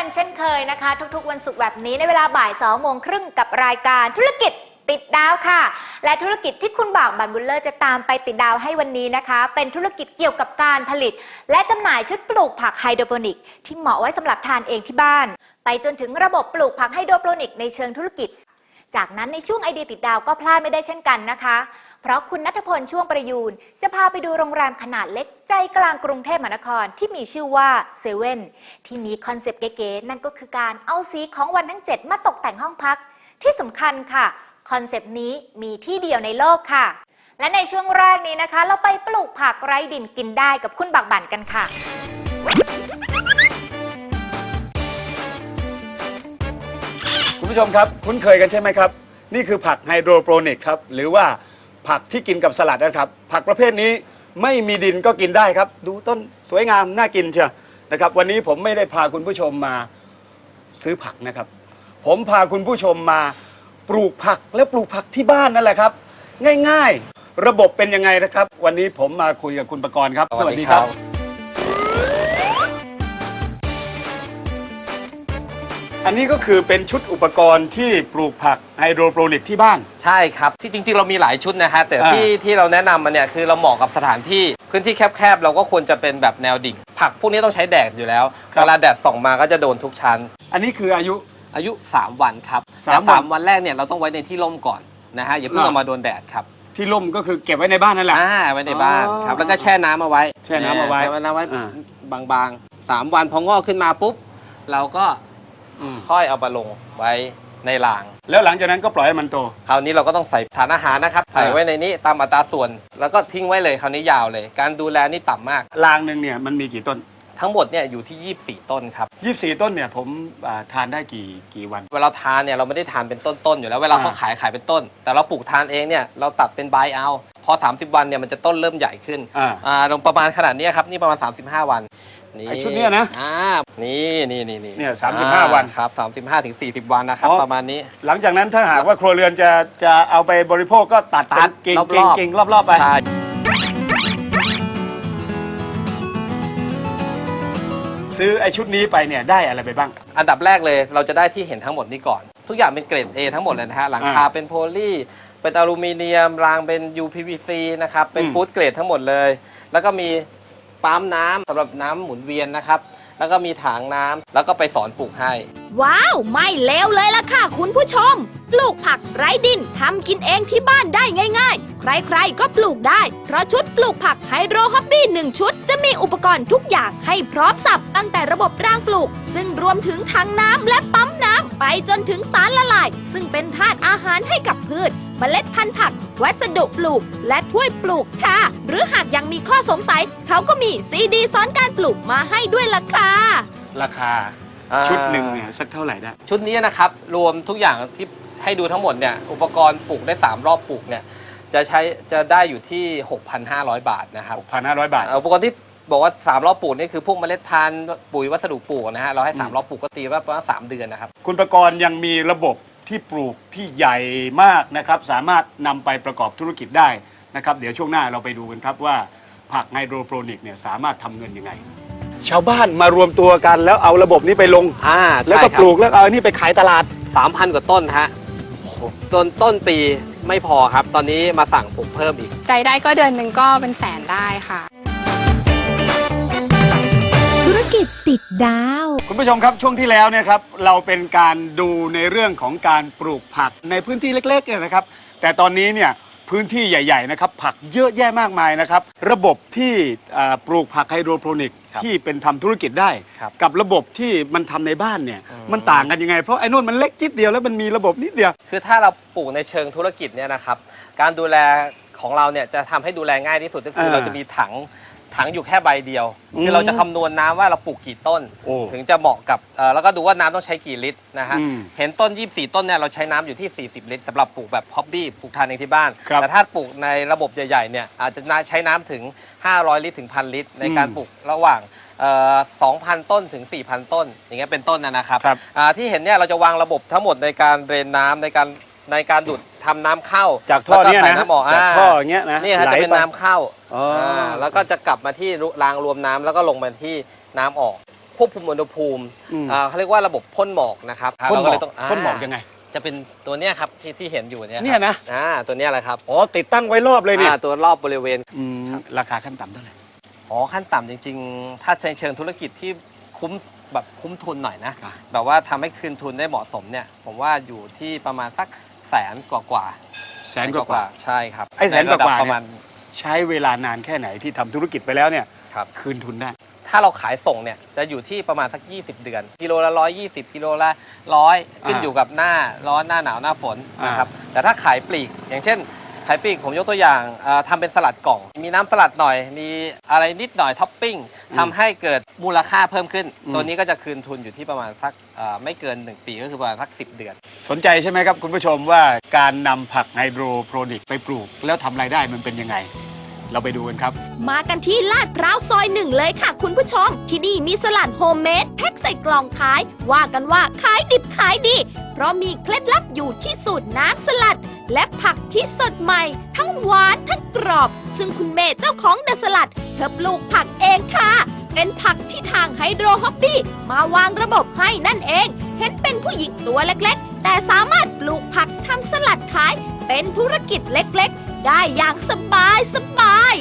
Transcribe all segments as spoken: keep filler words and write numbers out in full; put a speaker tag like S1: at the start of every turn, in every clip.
S1: กันเช่นเคยนะคะทุกๆวันศุกร์แบบนี้ในเวลาบ่ายสองโมงครึ่งกับรายการธุรกิจติดดาวค่ะและธุรกิจที่คุณบ่าวบันบุลเลอร์จะตามไปติดดาวให้วันนี้นะคะเป็นธุรกิจเกี่ยวกับการผลิตและจำหน่ายชุดปลูกผักไฮโดรโปนิกที่เหมาะไว้สำหรับทานเองที่บ้านไปจนถึงระบบปลูกผักไฮโดรโปนิกในเชิงธุรกิจจากนั้นในช่วงไอเดียติดดาวก็พลาดไม่ได้เช่นกันนะคะเพราะคุณณัฐพลช่วงประยูนจะพาไปดูโรงแรมขนาดเล็กใจกลางกรุงเทพมหานครที่มีชื่อว่าเซเว่นที่มีคอนเซปต์เก๋ๆนั่นก็คือการเอาสีของวันทั้งเจ็ดมาตกแต่งห้องพักที่สำคัญค่ะคอนเซปต์นี้มีที่เดียวในโลกค่ะและในช่วงแรกนี้นะคะเราไปปลูกผักไร้ดินกินได้กับคุณบักบั่นกันค่ะ
S2: คุณผู้ชมครับคุ้นเคยกันใช่ไหมครับนี่คือผักไฮโดรโปรนิกครับหรือว่าผักที่กินกับสลัดนะครับผักประเภทนี้ไม่มีดินก็กินได้ครับดูต้นสวยงามน่ากินเชียวนะครับวันนี้ผมไม่ได้พาคุณผู้ชมมาซื้อผักนะครับผมพาคุณผู้ชมมาปลูกผักและปลูกผักที่บ้านนั่นแหละครับง่ายๆระบบเป็นยังไงนะครับวันนี้ผมมาคุยกับคุณประกรณ์ครับสวัสดีครับอันนี้ก็คือเป็นชุดอุปกรณ์ที่ปลูกผักไฮโดรโปรนิกที่บ้าน
S3: ใช่ครับที่จริงๆเรามีหลายชุดนะฮะแต่ที่ที่เราแนะนำมาเนี่ยคือเราเหมาะกับสถานที่พื้นที่แคบๆเราก็ควรจะเป็นแบบแนวดิ่งผักพวกนี้ต้องใช้แดดอยู่แล้วเวลาแดดส่องมาก็จะโดนทุกชั้น
S2: อันนี้คืออายุ
S3: อายุสามวันครับแต่สามวันแรกเนี่ยเราต้องไว้ในที่ร่มก่อนนะฮะอย่าเพิ่งเอามาโดนแดดครับ
S2: ที่ร่มก็คือเก็บไว้ในบ้านนั่นแหละ
S3: อ่าไว้ในบ้านครับแล้วก็แช่น้ำเอาไว้
S2: แช่น้ำเอาไว้
S3: แช่น้ำไว้บางๆสามวันพองอกขึ้นมาปุ๊บเราก็ค่อยเอามาลงไว้ในราง
S2: แล้วหลังจากนั้นก็ปล่อยให้มันโต
S3: คราวนี้เราก็ต้องใส่ฐานอาหารนะครับใส่ไว้ในนี้ตามอัตราส่วนแล้วก็ทิ้งไว้เลยคราวนี้ยาวเลยการดูแลนี่ต่ำมาก
S2: รางหนึ่งเนี่ยมันมีกี่ต้น
S3: ทั้งหมดเนี่ยอยู่ที่ยี่สิบสี่ต้นครับ
S2: ยี่สิบสี่ต้นเนี่ยผมทานได้กี่กี่วัน
S3: เวลาทานเนี่ยเราไม่ได้ทานเป็นต้นๆอยู่แล้วเวลาเขาขายขายเป็นต้นแต่เราปลูกทานเองเนี่ยเราตัดเป็นใบเอาพอสามสิบวันเนี่ยมันจะต้นเริ่มใหญ่ขึ้นอ่าลงประมาณขนาดนี้ครับนี่ประมาณสามสิบห้าวัน
S2: ไอชุดนี้นะ
S3: อ่านี่นี่นี่นี่
S2: เนี่ยสามสิบห้าวัน
S3: ครับสามสิบห้าถึงสี่สิบวันนะครับประมาณนี้
S2: หลังจากนั้นถ้าหากว่าครัวเรือนจะจะเอาไปบริโภคก็ตัดตัดกิ่งกิ่งกิ่งรอบๆไปซื้อไอชุดนี้ไปเนี่ยได้อะไรไปบ้าง
S3: อันดับแรกเลยเราจะได้ที่เห็นทั้งหมดนี้ก่อนทุกอย่างเป็นเกรด A ทั้งหมดเลยนะฮะหลังคาเป็นโพลีเป็นอลูมิเนียมรางเป็น ยู พี วี ซี นะครับเป็นฟู้ดเกรดทั้งหมดเลยแล้วก็มีปั๊มน้ำสำหรับน้ำหมุนเวียนนะครับแล้วก็มีถังน้ำแล้วก็ไปสอนปลูกให้
S4: ว้าวไม่เลวเลยล่ะค่ะคุณผู้ชมปลูกผักไร้ดินทำกินเองที่บ้านได้ง่ายๆใครๆก็ปลูกได้เพราะชุดปลูกผักไฮโดรฮอบบี้หนึ่งชุดจะมีอุปกรณ์ทุกอย่างให้พร้อมสับตั้งแต่ระบบรางปลูกซึ่งรวมถึงถังน้ำและปั๊มน้ำไปจนถึงสารละลายซึ่งเป็นธาตุอาหารให้กับพืชเมล็ดพันธุ์ผักวัสดุปลูกและถ้วยปลูกค่ะหรือหากยังมีข้อสงสัยเขาก็มีซีดีสอนการปลูกมาให้ด้วยล่ะค่ะ
S2: ราคาชุดหนึ่งเนี่ยสักเท่าไหร่ได้
S3: ชุดนี้นะครับรวมทุกอย่างที่ให้ดูทั้งหมดเนี่ยอุปกรณ์ปลูกได้สามรอบปลูกเนี่ยจะใช้จะได้อยู่ที่ หกพันห้าร้อย บาทนะครับ
S2: หกพันห้าร้อย บาท
S3: อุปกรณ์ที่บอกว่าสามรอบปลูกนี่คือพวกเมล็ดพันธุ์ปุ๋ยวัสดุปลูกนะฮะเราให้สามรอบปลูกก็ตีว่าประมาณสามเดือนนะครับ
S2: คุณประกรณ์ยังมีระบบที่ปลูกที่ใหญ่มากนะครับสามารถนำไปประกอบธุรกิจได้นะครับเดี๋ยวช่วงหน้าเราไปดูกันครับว่าผักไฮโดรโปรนิกเนี่ยสามารถทำเงินยังไงชาวบ้านมารวมตัวกันแล้วเอาระบบนี้ไปลง
S3: อ่า
S2: แล้วก็ปลูกแล้วเอาอันนี้ไปขายตลาด
S3: สามพัน กว่าต้นฮะจนต้นปีไม่พอครับตอนนี้มาสั่งปลูกเพิ่มอีก
S5: รายได้ก็เดือนหนึ่งก็เป็นแสนได้ค่ะ
S4: ธุรกิจติดดาว
S2: คุณผู้ชมครับช่วงที่แล้วเนี่ยครับเราเป็นการดูในเรื่องของการปลูกผักในพื้นที่เล็กๆเนี่ยนะครับแต่ตอนนี้เนี่ยพื้นที่ใหญ่ๆนะครับผักเยอะแยะมากมายนะครับระบบที่ปลูกผักไฮโดรโปรนิกที่เป็นทำธุรกิจได้กับระบบที่มันทำในบ้านเนี่ยมันต่างกันยังไงเพราะไอ้นู่นมันเล็กจิดเดียวแล้วมันมีระบบนิดเดียว
S3: คือถ้าเราปลูกในเชิงธุรกิจเนี่ยนะครับการดูแลของเราเนี่ยจะทำให้ดูแลง่ายที่สุดก็คือเราจะมีถังถังอยู่แค่ใบเดียวคือเราจะคำนวณน้ำว่าเราปลูกกี่ต้นถึงจะเหมาะกับแล้วก็ดูว่าน้ำต้องใช้กี่ลิตรนะฮะเห็นต้นยี่สิบสี่ต้นเนี่ยเราใช้น้ำอยู่ที่สี่สิบลิตรสำหรับปลูกแบบฮ็อบบี้ปลูกทานเองที่บ้านแต่ถ้าปลูกในระบบใหญ่ๆเนี่ยอาจจะใช้น้ำถึงห้าร้อยลิตรถึงพันลิตรในการปลูกระหว่างสองพันต้นถึงสี่พันต้นอย่างเงี้ยเป็นต้นนะครับที่เห็นเนี่ยเราจะวางระบบทั้งหมดในการเดรนน้ำในการในการดูดทำน้ำเข้า
S2: จากท่อเนี้ยนะจากท่ออย่างเงี้ยนะ
S3: นี่ฮะจะเป็นน้ำเข้าแล้วก็จะกลับมาที่รางรวมน้ำแล้วก็ลงมาที่น้ำออกควบคุมอุณหภูมิ
S2: อืม
S3: อ่าเขาเรียกว่าระบบพ่นหมอกนะครับ
S2: พ่นหม
S3: เรา
S2: อก
S3: เลยต้อง
S2: พ่นหมอกยังไง
S3: จะเป็นตัวเนี้ยครับที่ที่เห็นอยู่เนี่ยครับ
S2: เนี่ยนะ
S3: อ่าตัวเนี้ยแหละครับ
S2: อ๋อติดตั้งไว้รอบเลยเนี่ย
S3: อ่าตัวรอบบริเวณ
S2: อืมราคาขั้นต่ำเท่าไหร่
S3: อ๋อขั้นต่ำจริงๆ ถ้าในเชิงธุรกิจที่คุ้มแบบคุ้มทุนหน่อยนะ
S2: อ่ะ
S3: แบบว่าทำให้คืนทุนได้เหมาะสมเนี่ยผมว่าอยู่ที่ประมาณสักแสนกว่ากว่า
S2: แสนกว่า
S3: ใช่ครับ
S2: ไอ้แสนกว่า
S3: ใระดับ
S2: เนี่ย
S3: ประมาณ
S2: ใช้เวลานานแค่ไหนที่ทำธุรกิจไปแล้วเนี่ย
S3: ครับ
S2: คืนทุนได้
S3: ถ้าเราขายส่งเนี่ยจะอยู่ที่ประมาณสักยี่สิบเดือนกิโลละร้อยยี่สิบกิโลละร้อยขึ้น
S2: อ่า
S3: อยู่กับหน้าร้อนหน้าหนาวหน้าฝน
S2: อ่าน
S3: นะครับแต่ถ้าขายปลีกอย่างเช่นขายปลีกผมยกตัวอย่างเอ่อทำเป็นสลัดกล่อง มีน้ำสลัดหน่อย มีอะไรนิดหน่อยท็อปปิ้งทำให้เกิดมูลค่าเพิ่มขึ้น ตัวนี้ก็จะคืนทุนอยู่ที่ประมาณสักเอ่อไม่เกินหนึ่งปีก็คือประมาณสักสิบเดือน
S2: สนใจใช่ไหมครับคุณผู้ชมว่าการนำผักไฮโดรโปรนิกไปปลูก แล้วทำรายได้มันเป็นยังไง เราไปดูกันครับ
S4: มากันที่ลาดพร้าวซอยหนึ่งเลยค่ะคุณผู้ชม ที่นี่มีสลัดโฮมเมดแพ็คใส่กล่องขาย ว่ากันว่าขายดิบขายดี เพราะมีเคล็ดลับอยู่ที่สูตรน้ำสลัด และผักที่สดใหม่ ทั้งหวานทั้งกรอบ ซึ่งคุณเมย์เจ้าของเดอะสลัด เธอปลูกผักเองค่ะ เป็นผักที่ทางไฮโดรฮอบบี้มาวางระบบให้นั่นเอง เห็นเป็นผู้หญิงตัวเล็กๆ แต่สามารถปลูกผักทำสลัดขาย เป็นธุรกิจเล็กๆ ได้อย่างสบายสบาย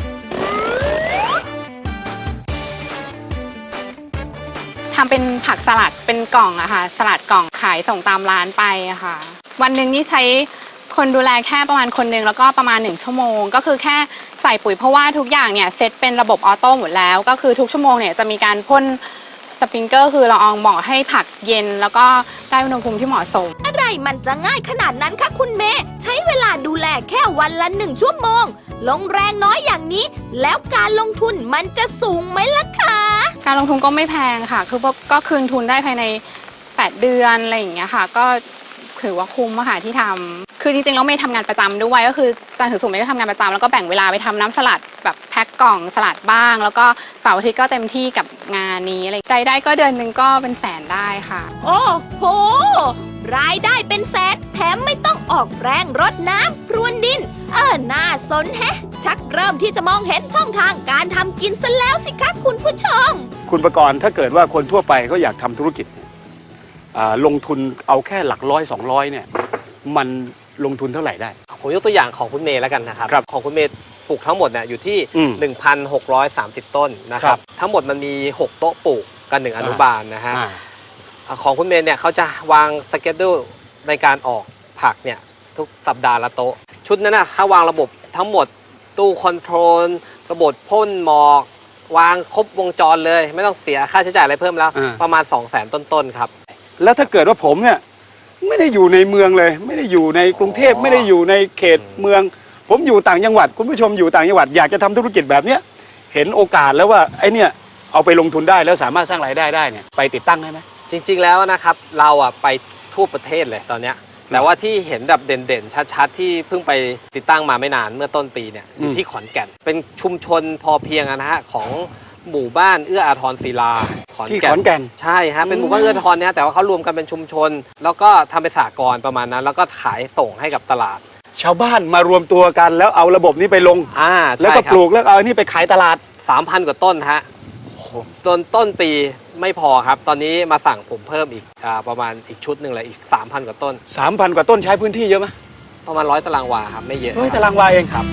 S4: ๆ
S5: ทำเป็นผักสลัดเป็นกล่องอะค่ะ สลัดกล่องขายส่งตามร้านไปอะค่ะ วันหนึ่งนี่ใช้คนดูแลแค่ประมาณคนหนึ่งแล้วก็ประมาณหนึ่งชั่วโมง ก็คือแค่ใส่ปุ๋ยเพราะว่าทุกอย่างเนี่ยเซตเป็นระบบออโต้หมดแล้ว ก็คือทุกชั่วโมงเนี่ยจะมีการพ่นสปริงเกอร์คือละอองหมอกให้ผักเย็น แล้วก็ได้อุณหภูมิที่เหมาะสม
S4: อะไรมันจะง่ายขนาดนั้นคะคุณเมย์ใช้เวลาดูแลแค่วันละหนึ่งชั่วโมง ลงแรงน้อยอย่างนี้ แล้วการลงทุนมันจะสูงไหมล่ะคะ
S5: การลงทุนก็ไม่แพงค่ะ คือก็คืนทุนได้ภายในแปดเดือนอะไรอย่างเงี้ยค่ะ ก็ถือว่าคุ้มอะค่ะที่ทำคือจริงๆเราไม่ทำงานประจำด้วยก็คือจันทร์ถึงศุกร์ไม่ได้ทำงานประจำแล้วก็แบ่งเวลาไปทำน้ำสลัดแบบแพ็คกล่องสลัดบ้าง แล้วก็เสาร์อาทิตย์ก็เต็มที่กับงานนี้อะไรรายได้ก็เดือนหนึ่งก็เป็นแสนได้ค่ะ
S4: โอ้โห รายได้เป็นแสนแถมไม่ต้องออกแรงรดน้ำพรวนดิน เออน่าสนแฮะ ชักเริ่มที่จะมองเห็นช่องทางการทำกินซะแล้วสิคะคุณผู้ชม
S2: คุณประกรณ์ถ้าเกิดว่าคนทั่วไปเขาอยากทำธุรกิจเนี่ยอ่าลงทุนเอาแค่หลักร้อยสองร้อยเนี่ยมันลงทุนเท่าไหร่ได้
S3: ผมยกตัวอย่างของคุณเมย์แล้วกันนะครับ
S2: ครับ
S3: ของคุณเมย์ปลูกทั้งหมดเนี่ยอยู่ที่
S2: อืม
S3: หนึ่งพันหกร้อยสามสิบ ต้นนะค
S2: ครั
S3: รับ
S2: บ
S3: ทั้งหมดมันมีหกโต๊ะปลูกกันหนึ่งอนุบาลนะฮะ
S2: อ่า
S3: อ่าของคุณเมย์เนี่ยเขาจะวางสเกจดูในการออกผักเนี่ยทุกสัปดาห์ละโต๊ะ ชุดนั้นนะเขาวางระบบทั้งหมดตู้คอนโทรลระบบพ่นหมอกวางครบวงจรเลย ไม่ต้องเสียค่าใช้จ่ายอะไรเพิ่มแล้ว
S2: อ่า
S3: ประมาณ สองแสน ต้นๆครับ
S2: แล้วถ้าเกิดว่าผมเนี่ยไม่ได้อยู่ในเมืองเลย ไม่ได้อยู่ในกรุงเทพ
S3: อ๋อ
S2: ไม่ได้อยู่ในเขตเมือง ผมอยู่ต่างจังหวัดคุณผู้ชมอยู่ต่างจังหวัดอยากจะทำธุรกิจแบบเนี้ยเห็นโอกาสแล้วว่าไอ้เนี่ยเอาไปลงทุนได้แล้วสามารถสร้างรายได้ได้เนี่ยไปติดตั้งได้ไหม
S3: จริงๆแล้วนะครับเราอ่ะไปทั่วประเทศเลยตอนเนี้ยแต่ว่าที่เห็นแบบเด่นๆชัดๆที่เพิ่งไปติดตั้งมาไม่นานเมื่อต้นปีเนี่ยอยู่
S2: อืม
S3: ที่ขอนแก่น เป็นชุมชนพอเพียงอะนะฮะของหมู่บ้านเอื้ออาทรศิลาขอน
S2: ที่
S3: แก่
S2: ขอน นแก่น
S3: ใช่ฮะเป็นหมู่บ้านเอื้ออาทรเนี่ยแต่ว่าเขารวมกันเป็นชุมชน แล้วก็ทำเป็นสหกรณ์ประมาณนั้น แล้วก็ขายส่งให้กับตลาด
S2: ชาวบ้านมารวมตัวกันแล้วเอาระบบนี้ไปลง
S3: อ่า
S2: แล้วก็ปลูกแล้วเอาอันนี้ไปขายตลาด
S3: สามพันกว่าต้นฮะต้นต้นปีไม่พอครับ ตอนนี้มาสั่งผมเพิ่มอีกอ่าประมาณอีกชุดหนึ่งเลยอีก สามพัน กว่าต้น
S2: สามพัน กว่าต้นใช้พื้นที่เยอะไหม
S3: ประมาณร้อยตารางวาครับไม่เยอะ
S2: เฮ้ยตารางวาเองครับ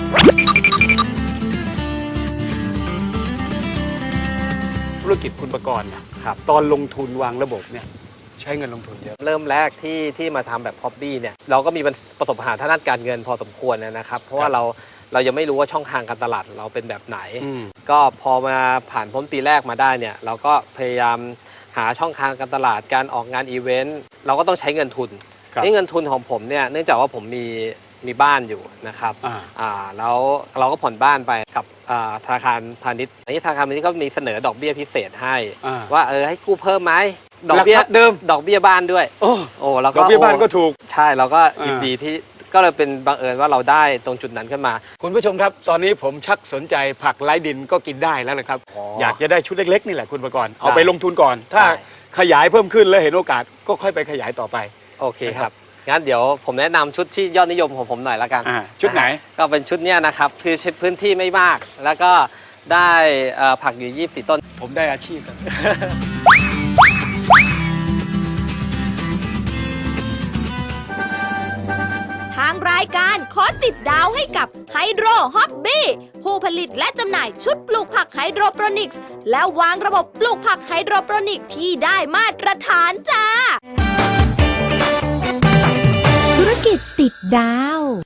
S2: ธุรกิจคุณประกรณ์เนี่ย
S3: ครับ
S2: ตอนลงทุนวางระบบเนี่ยใช้เงินลงทุนเยอะ
S3: เริ่มแรกที่ที่มาทำแบบฮอบบี้เนี่ยเราก็มีประสบปัญหาทางด้านการเงินพอสมควรนะครับ เพราะว่าเราเรายังไม่รู้ว่าช่องทางการตลาดเราเป็นแบบไหน
S2: อืม
S3: ก็พอมาผ่านพ้นปีแรกมาได้เนี่ยเราก็พยายามหาช่องทางการตลาดการออกงานอีเวนต์เราก็ต้องใช้เงินทุน
S2: ครับ
S3: นี่เงินทุนของผมเนี่ยเนื่องจากว่าผมมีมีบ้านอยู่นะครับ
S2: อ่า
S3: อ่าแล้วเราก็ผ่อนบ้านไปกับอ่าธนาคารพาณิชย์อันนี้ธนาคารพาณิชย์ก็มีเสนอดอกเบี้ยพิเศษให้
S2: อ่า
S3: ว่าเออให้กู้เพิ่มไหมดอกเบี้ย
S2: หลักทรัพย์เดิม
S3: ดอกเบี้ยบ้านด้วย
S2: โอ้
S3: โอ้แล้ว
S2: ด
S3: ก็
S2: อกเบี้ยบ้านก็ถูก
S3: ใช่เราก็
S2: อ่า
S3: ยินดีที่ก็เลยเป็นบังเอิญว่าเราได้ตรงจุดนั้นขึ้นมา
S2: คุณผู้ชมครับ ตอนนี้ผมชักสนใจผักไร้ดินก็กินได้แล้วนะครับ
S3: อ๋อ
S2: อ
S3: อ
S2: ยากจะได้ชุดเล็กๆนี่แหละคุณประกรณ์เอา
S3: ได้
S2: ไปลงทุนก่อน ถ้า
S3: ได้
S2: ขยายเพิ่มขึ้นแล้วเห็นโอกาสก็ค่อยไปขยายต่อไป
S3: โอเคครับงั้นเดี๋ยวผมแนะนำชุดที่ยอดนิยมของผมหน่อยละกัน
S2: อ่าชุดไหน
S3: ะฮะก็เป็นชุดเนี้ยนะครับคือพื้นที่ไม่มาก แล้วก็ได้เอ่อผักอยู่ยี่สิบสี่ต้น
S2: ผมได้อาชีพแล้ว
S4: รายการขอติดดาวให้กับไฮโดรฮอบบี้ผู้ผลิตและจำหน่ายชุดปลูกผักไฮโดรโปรนิกส์และวางระบบปลูกผักไฮโดรโปรนิกส์ที่ได้มาตรฐานจ้า
S6: ธุรกิจติดดาว